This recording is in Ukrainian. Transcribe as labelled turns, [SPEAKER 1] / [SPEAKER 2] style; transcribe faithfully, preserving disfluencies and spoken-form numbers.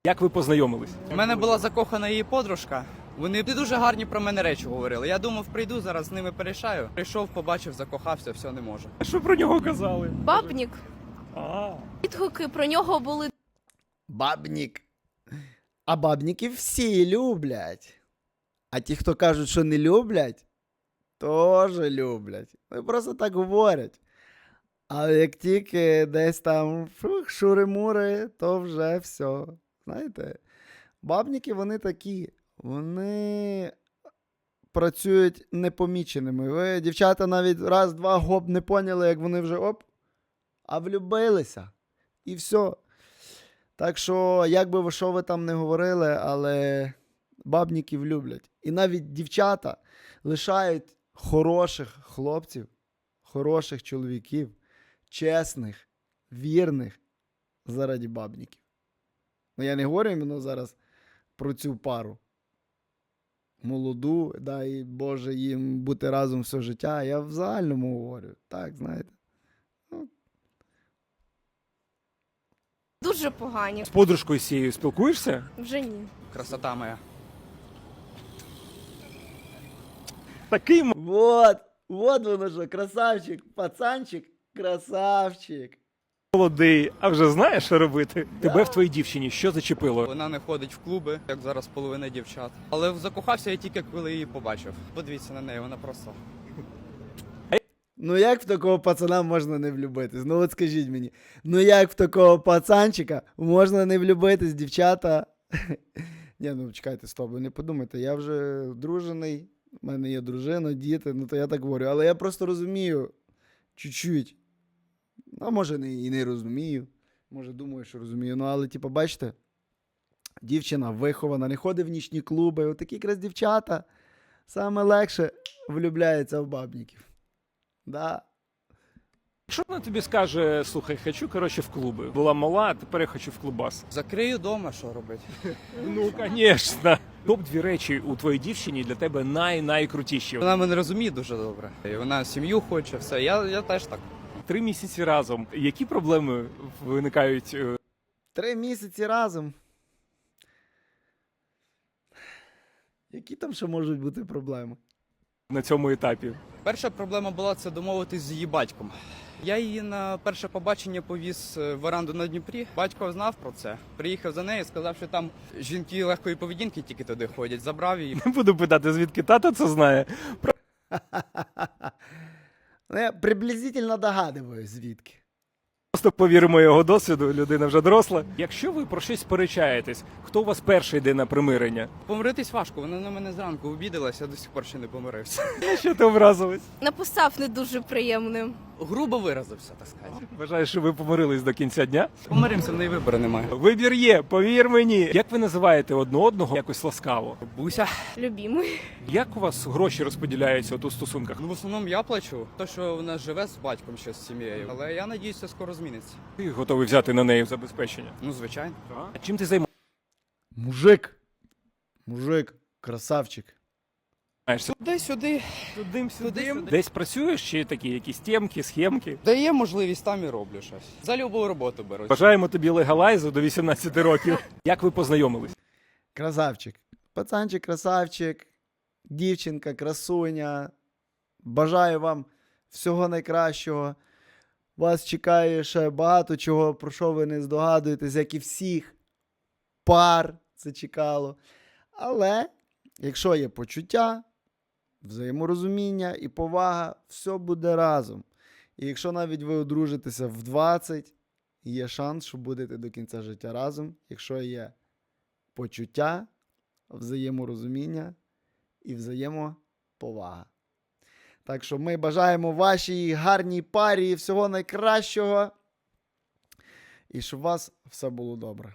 [SPEAKER 1] Як ви познайомились?
[SPEAKER 2] У мене була закохана її подружка. Вони дуже гарні про мене речі говорили. Я думав, прийду, зараз з ними порішаю. Прийшов, побачив, закохався, все, не можу.
[SPEAKER 1] А що про нього казали?
[SPEAKER 3] Бабнік.
[SPEAKER 1] А,
[SPEAKER 3] Відгуки про нього були
[SPEAKER 4] Бабнік. А бабніків всі люблять. А ті, хто кажуть, що не люблять, теж люблять. Вони просто так говорять. Але як тільки десь там фух, шури-мури, то вже все. Знаєте, бабніки вони такі. Вони працюють непоміченими. Ви, дівчата, навіть раз-два гоп не поняли, як вони вже оп, а влюбилися. І все. Так що, як би ви що ви там не говорили, але бабніків люблять. І навіть дівчата лишають хороших хлопців, хороших чоловіків, чесних, вірних заради бабніків. Ну, я не говорю іменно зараз про цю пару. Молоду, дай Боже їм бути разом все життя. Я в загальному говорю. Так, знаєте.
[SPEAKER 3] дуже погані.
[SPEAKER 1] з подружкою цією спілкуєшся?
[SPEAKER 3] Вже ні.
[SPEAKER 2] Красота моя.
[SPEAKER 1] Такий м-
[SPEAKER 4] Вот, вот воно що, красавчик, пацанчик, красавчик.
[SPEAKER 1] молодий, а вже знаєш, що робити? Тебе в твоїй дівчині що зачепило?
[SPEAKER 2] Вона не ходить в клуби, як зараз половина дівчат. Але закохався я тільки, коли її побачив. Подивіться на неї, вона просто...
[SPEAKER 4] Ну як в такого пацана можна не влюбитись? Ну от скажіть мені. Ну як в такого пацанчика можна не влюбитись, дівчата? Ні, ну чекайте, стоп, ви не подумайте, я вже дружений, в мене є дружина, діти, ну то я так говорю. Але я просто розумію, чуть-чуть. Ну, а може не, і не розумію, може думаю, що розумію. Ну але, типу, бачите, дівчина вихована, не ходить в нічні клуби, отакі якраз дівчата саме легше влюбляються в бабніків. Да.
[SPEAKER 1] Що вона тобі скаже, слухай, хочу, коротше, в клуби. Була мала, а тепер я хочу в клубас.
[SPEAKER 2] Закрию дома, що робити?
[SPEAKER 1] Ну, звісно. Топ-дві речі у твоїй дівчині для тебе най-найкрутіші.
[SPEAKER 2] Вона мене розуміє дуже добре. І вона сім'ю хоче, все. Я, я теж так.
[SPEAKER 1] Три місяці разом. Які проблеми виникають? е,
[SPEAKER 4] Три місяці разом. Які там ще можуть бути проблеми?
[SPEAKER 1] На цьому етапі?
[SPEAKER 2] Перша проблема була це домовитись з її батьком. Я її на перше побачення повіз в веранду на Дніпрі. Батько знав про це. Приїхав за нею, сказав, що там жінки легкої поведінки тільки туди ходять. Забрав її.
[SPEAKER 1] Не буду питати, звідки тато це знає.
[SPEAKER 4] Ну, я приблизительно догадуюсь, звідки.
[SPEAKER 1] Просто повіримо його досвіду, людина вже доросла. Якщо ви про щось сперечаєтесь, хто у вас перший йде на примирення?
[SPEAKER 2] Помиритись важко, вона на мене зранку обідалася, я до сих пор ще не помирився.
[SPEAKER 1] На що ти образилась?
[SPEAKER 3] Написав не дуже приємним.
[SPEAKER 2] Грубо виразився, так сказати.
[SPEAKER 1] Вважаєш, що ви помирились до кінця дня?
[SPEAKER 2] Помиримося, в неї вибору немає.
[SPEAKER 1] Вибір є, повір мені. Як ви називаєте одне одного якось ласкаво?
[SPEAKER 2] Буся.
[SPEAKER 3] Любімий.
[SPEAKER 1] Як у вас гроші розподіляються от у стосунках?
[SPEAKER 2] Ну, в основному я плачу. То, що вона живе з батьком ще з сім'єю. Але я надіюся, скоро зміниться.
[SPEAKER 1] Ти готовий взяти на неї в забезпечення?
[SPEAKER 2] Ну, звичайно.
[SPEAKER 1] А чим ти займаєшся?
[SPEAKER 4] Мужик. Мужик. Красавчик.
[SPEAKER 2] Туди-сюди.
[SPEAKER 1] Тудим
[SPEAKER 2] сюдим.
[SPEAKER 1] Десь працюєш чи такі якісь темки, схемки?
[SPEAKER 2] Дає можливість, там і роблю щось. За любу роботу беру.
[SPEAKER 1] Бажаємо тобі легалайзу до вісімнадцяти років. Як ви познайомились?
[SPEAKER 4] Красавчик. Пацанчик, красавчик. Дівчинка, красуня. Бажаю вам всього найкращого. Вас чекає ще багато чого, про що ви не здогадуєтесь, як і всіх пар це чекало. Але, якщо є почуття, взаєморозуміння і повага, все буде разом. І якщо навіть ви одружитеся в двадцять, є шанс, що будете до кінця життя разом, якщо є почуття, взаєморозуміння і взаємоповага. Так що ми бажаємо вашій гарній парі всього найкращого і щоб у вас все було добре.